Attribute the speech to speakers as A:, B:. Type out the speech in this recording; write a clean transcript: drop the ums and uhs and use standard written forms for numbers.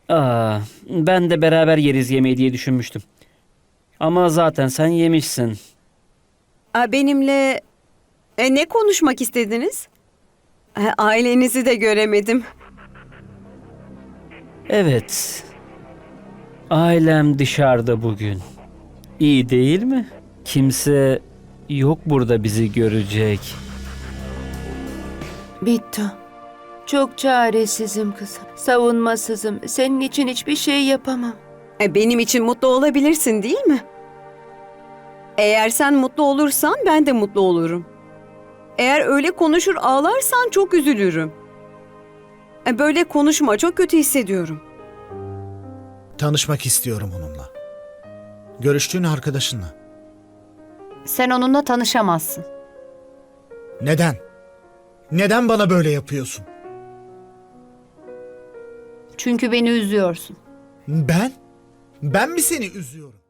A: Ben de beraber yeriz yemeği diye düşünmüştüm. Ama zaten sen yemişsin.
B: Benimle ne konuşmak istediniz? Ailenizi de göremedim.
A: Evet. Ailem dışarıda bugün. İyi değil mi? Kimse yok burada bizi görecek.
C: Bittu. Çok çaresizim kızım. Savunmasızım. Senin için hiçbir şey yapamam.
B: Benim için mutlu olabilirsin değil mi? Eğer sen mutlu olursan ben de mutlu olurum. Eğer öyle konuşur ağlarsan çok üzülürüm. Böyle konuşma, çok kötü hissediyorum.
D: Tanışmak istiyorum onunla. Görüştüğün arkadaşınla.
E: Sen onunla tanışamazsın.
D: Neden? Neden bana böyle yapıyorsun?
E: Çünkü beni üzüyorsun.
D: Ben? Ben mi seni üzüyorum?